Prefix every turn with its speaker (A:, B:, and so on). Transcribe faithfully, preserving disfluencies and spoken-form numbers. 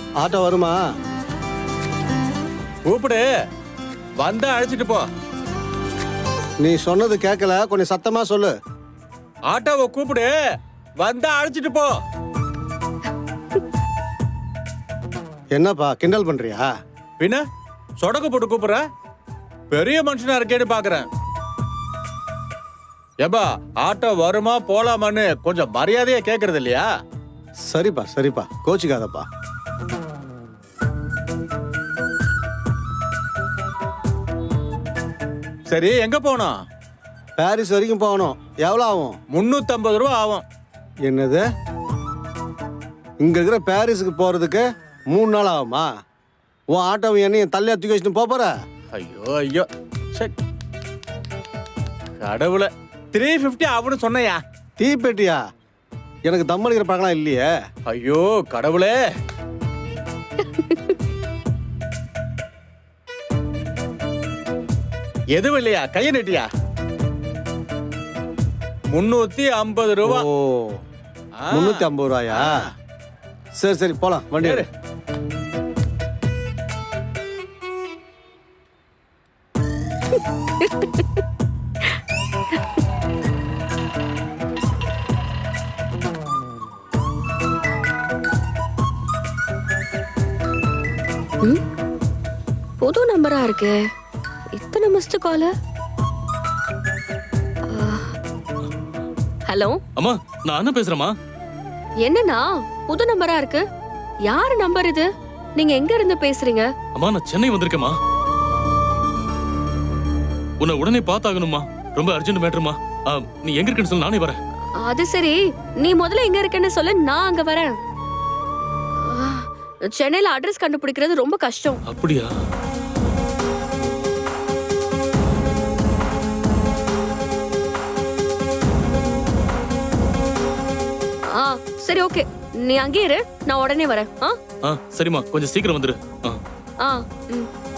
A: Auto வருமா?
B: கூப்பிடு, வந்தா அழைச்சிட்டு போ.
A: நீ சொன்னது கேட்கல, கொஞ்சம் சத்தமா சொல்லு.
B: ஆட்டோவை கூப்பிடு, வந்தா அழைச்சிட்டு போ.
A: என்னப்பா கிண்டல் பண்றியா?
B: பின்ன சொடக்கு போட்டு கூப்பிடுற, பெரிய மனுஷனா இருக்கேன்னு பாக்குறேன். ஏப்பா ஆட்டோ வருமா போலாமான்னு கொஞ்சம் மரியாதையா கேக்குறது இல்லையா?
A: சரிப்பா சரிப்பா, கோச்சிக்காதப்பா.
B: சரி, எங்க போனோம்?
A: பாரிஸ் வரைக்கும் போகணும். எவ்வளோ ஆகும்?
B: முன்னூத்தி ஐம்பது ரூபா ஆகும்.
A: என்னது? இங்க இருக்கிற பாரிஸுக்கு போறதுக்கு மூணு நாள் ஆகுமா? உன் ஆட்டோ என்னையும் தள்ளியா தூக்கி வச்சுட்டு போப் போற?
B: ஐயோ ஐயோ, சரி கடவுளை, த்ரீ பிப்டி ஆகும்னு சொன்னையா?
A: தீப்பெட்டியா? எனக்கு தம்மளிக்கிற பழக்கம் இல்லையே.
B: ஐயோ கடவுளே. எதுவும் இல்லையா? கைய நெட்டியா? முன்னூத்தி ஐம்பது ரூபா.
A: ஓ, முன்னூத்தி ஐம்பது ரூபாயா? சரி சரி போலாம், வண்டி எடு.
C: புது நம்பரா இருக்கு. இத்தனை மிஸ்டு கால். ஹலோ
D: அம்மா, நான் அண்ணன் பேசுறேம்மா.
C: என்னண்ணா புது நம்பரா இருக்கு? யாரு நம்பர் இது? நீங்க எங்க இருந்து பேசுறீங்க?
D: அம்மா, நான் சென்னை வந்திருக்கேம்மா. உன்னை உடனே பார்த்தாகணும்மா, ரொம்ப அர்ஜென்ட் மேட்டருமா. நீ எங்க இருக்கன்னு சொல்லு, நானே வரேன்.
C: அது சரி, நீ முதல்ல எங்க இருக்கன்னு சொல்லு, நான் அங்க வரேன். சென்னையில அட்ரஸ் கண்டுபிடிக்கிறது ரொம்ப கஷ்டம்.
D: அப்படியா?
C: ஆ சரி, ஓகே, நீ அங்கே இரு, நான் உடனே வரேன். ஆ
D: ஆ சரிம்மா, கொஞ்சம் சீக்கிரம் வந்துரு. ஆ
C: ஆ ம்